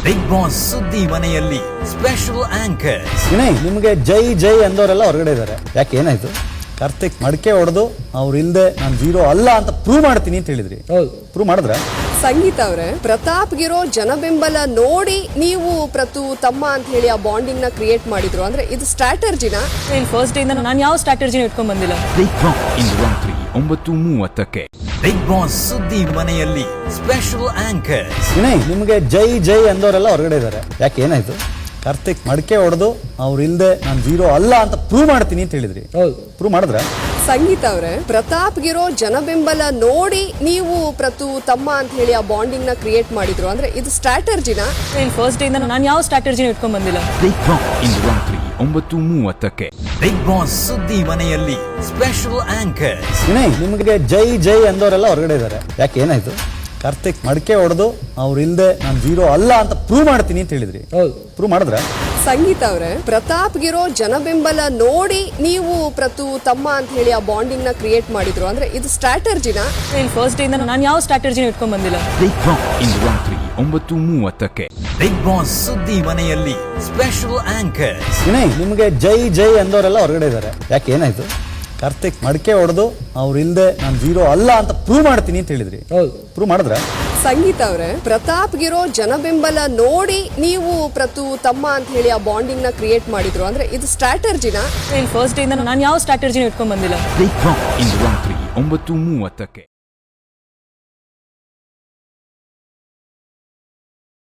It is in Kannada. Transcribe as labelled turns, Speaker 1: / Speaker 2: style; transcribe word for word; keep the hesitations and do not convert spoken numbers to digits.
Speaker 1: ಬಿಗ್ ಬಾಸ್ ಸುದ್ದಿ ಮನೆಯಲ್ಲಿ ಸ್ಪೆಷಲ್ ಆಂಕರ್
Speaker 2: ವಿನಯ್, ನಿಮಗೆ ಜೈ ಜೈ ಅಂದವರೆಲ್ಲ ಹೊರಗಡೆ ಇದ್ದಾರೆ. ಯಾಕೆ, ಏನಾಯ್ತು? ಕಾರ್ತಿಕ್ ಮಡಕೆ ಹೊಡೆದು ಅವ್ರು ಇಲ್ದೆ ನಾನು ಜೀರೋ ಅಲ್ಲ ಅಂತ ಪ್ರೂವ್ ಮಾಡ್ತೀನಿ ಅಂತ ಹೇಳಿದ್ರಿ. ಹೌದು, ಪ್ರೂವ್ ಮಾಡಿದ್ರ?
Speaker 3: ಸಂಗೀತ ಅವರೇ, ಪ್ರತಾಪ್ಗಿರೋ ಜನಬೆಂಬಲ ನೋಡಿ ನೀವು ಪ್ರತು ತಮ್ಮ ಅಂತ ಹೇಳಿ ಆ ಬಾಂಡಿಂಗ್ ನ ಕ್ರಿಯೇಟ್ ಮಾಡಿದ್ರು. ಅಂದ್ರೆ ಇದು ಸ್ಟ್ರಾಟರ್ಜಿನ
Speaker 4: ಫಸ್ಟ್ ಡೇ ಇಂದ ನಾನು ಯಾವ ಸ್ಟ್ರಾಟರ್ಜಿನ ಇಟ್ಕೊಂಡ್ ಬಂದಿಲ್ಲ.
Speaker 1: ಬಿಗ್ ಬಾಸ್ ಇಂದು ರಾತ್ರಿ ಒಂಬತ್ತು ಮೂವತ್ತಕ್ಕೆ ಬಿಗ್ ಬಾಸ್ ಸುದ್ದಿ ಮನೆಯಲ್ಲಿ ಸ್ಪೆಷಲ್ ಆಂಕರ್
Speaker 2: ವಿನಯ್, ನಿಮಗೆ ಜೈ ಜೈ ಅಂದವರೆಲ್ಲ ಹೊರಗಡೆ ಇದ್ದಾರೆ. ಯಾಕೆ, ಏನಾಯ್ತು? ಕಾರ್ತಿಕ್ ಮಡಕೆ ಹೊಡೆದು ಅವ್ರು ಇಲ್ದೆ ನಾನು ಜೀರೋ ಅಲ್ಲ ಅಂತ ಪ್ರೂವ್ ಮಾಡ್ತೀನಿ ಅಂತ ಹೇಳಿದ್ರಿ. ಹೌದು, ಪ್ರೂವ್ ಮಾಡಿದ್ರ?
Speaker 3: ಸಂಗೀತ ಅವರೇ, ಪ್ರತಾಪ್ಗಿರೋ ಜನಬೆಂಬಲ ನೋಡಿ ನೀವು ಪ್ರತು ತಮ್ಮ ಅಂತ ಹೇಳಿ ಆ ಬಾಂಡಿಂಗ್ ನ ಕ್ರಿಯೇಟ್ ಮಾಡಿದ್ರು. ಅಂದ್ರೆ ಇದು ಸ್ಟ್ರಾಟರ್ಜಿನ
Speaker 4: ಫಸ್ಟ್ ಡೇ ಇಂದ ನಾನು ಯಾವ ಸ್ಟ್ರಾಟರ್ಜಿನ ಇಟ್ಕೊಂಡ್ ಬಂದಿಲ್ಲ.
Speaker 1: ಬಿಗ್ ಬಾಸ್ ಇಂದು ರಾತ್ರಿ ಒಂಬತ್ತು ಮೂವತ್ತಕ್ಕೆ ಬಿಗ್ ಬಾಸ್ ಸುದ್ದಿ ಮನೆಯಲ್ಲಿ ಸ್ಪೆಷಲ್ ಆಂಕರ್
Speaker 2: ವಿನಯ್, ನಿಮಗೆ ಜೈ ಜೈ ಅಂದವರೆಲ್ಲ ಹೊರಗಡೆ ಇದ್ದಾರೆ. ಯಾಕೆ, ಏನಾಯ್ತು? ಕಾರ್ತಿಕ್ ಮಡಕೆ ಹೊಡೆದು ಅವ್ರು ಇಲ್ದೆ ನಾನು ಜೀರೋ ಅಲ್ಲ ಅಂತ ಪ್ರೂವ್ ಮಾಡ್ತೀನಿ ಅಂತ ಹೇಳಿದ್ರಿ. ಹೌದು, ಪ್ರೂವ್ ಮಾಡಿದ್ರ?
Speaker 3: ಸಂಗೀತ ಅವರೇ, ಪ್ರತಾಪ್ಗಿರೋ ಜನಬೆಂಬಲ ನೋಡಿ ನೀವು ಪ್ರತು ತಮ್ಮ ಅಂತ ಹೇಳಿ ಆ ಬಾಂಡಿಂಗ್ ನ ಕ್ರಿಯೇಟ್ ಮಾಡಿದ್ರು. ಅಂದ್ರೆ ಇದು ಸ್ಟ್ರಾಟರ್ಜಿನ
Speaker 4: ಫಸ್ಟ್ ಡೇ ಇಂದ ನಾನು ಯಾವ ಸ್ಟ್ರಾಟರ್ಜಿನ ಇಟ್ಕೊಂಡ್ ಬಂದಿಲ್ಲ.
Speaker 1: ಬಿಗ್ ಬಾಸ್ ಇಂದು ರಾತ್ರಿ ಒಂಬತ್ತು ಮೂವತ್ತಕ್ಕೆ ಬಿಗ್ ಬಾಸ್ ಸುದ್ದಿ ಮನೆಯಲ್ಲಿ ಸ್ಪೆಷಲ್ ಆಂಕರ್
Speaker 2: ವಿನಯ್, ನಿಮಗೆ ಜೈ ಜೈ ಅಂದವರೆಲ್ಲ ಹೊರಗಡೆ ಇದ್ದಾರೆ. ಯಾಕೆ, ಏನಾಯ್ತು? ಕಾರ್ತಿಕ್ ಮಡಕೆ ಹೊಡೆದು ಅವ್ರು ಇಲ್ದೆ ನಾನು ಜೀರೋ ಅಲ್ಲ ಅಂತ ಪ್ರೂವ್ ಮಾಡ್ತೀನಿ ಅಂತ ಹೇಳಿದ್ರಿ. ಹೌದು, ಪ್ರೂವ್ ಮಾಡಿದ್ರ?
Speaker 3: ಸಂಗೀತ ಅವರೇ, ಪ್ರತಾಪ್ಗಿರೋ ಜನಬೆಂಬಲ ನೋಡಿ ನೀವು ಪ್ರತು ತಮ್ಮ ಅಂತ ಹೇಳಿ ಆ ಬಾಂಡಿಂಗ್ ನ ಕ್ರಿಯೇಟ್ ಮಾಡಿದ್ರು. ಅಂದ್ರೆ ಇದು ಸ್ಟ್ರಾಟರ್ಜಿನ
Speaker 4: ಫಸ್ಟ್ ಡೇ ಇಂದ ನಾನು ಯಾವ ಸ್ಟ್ರಾಟರ್ಜಿನ ಇಟ್ಕೊಂಡ್ ಬಂದಿಲ್ಲ.
Speaker 1: ಬಿಗ್ ಬಾಸ್ ಇಂದು ರಾತ್ರಿ ಒಂಬತ್ತು ಮೂವತ್ತಕ್ಕೆ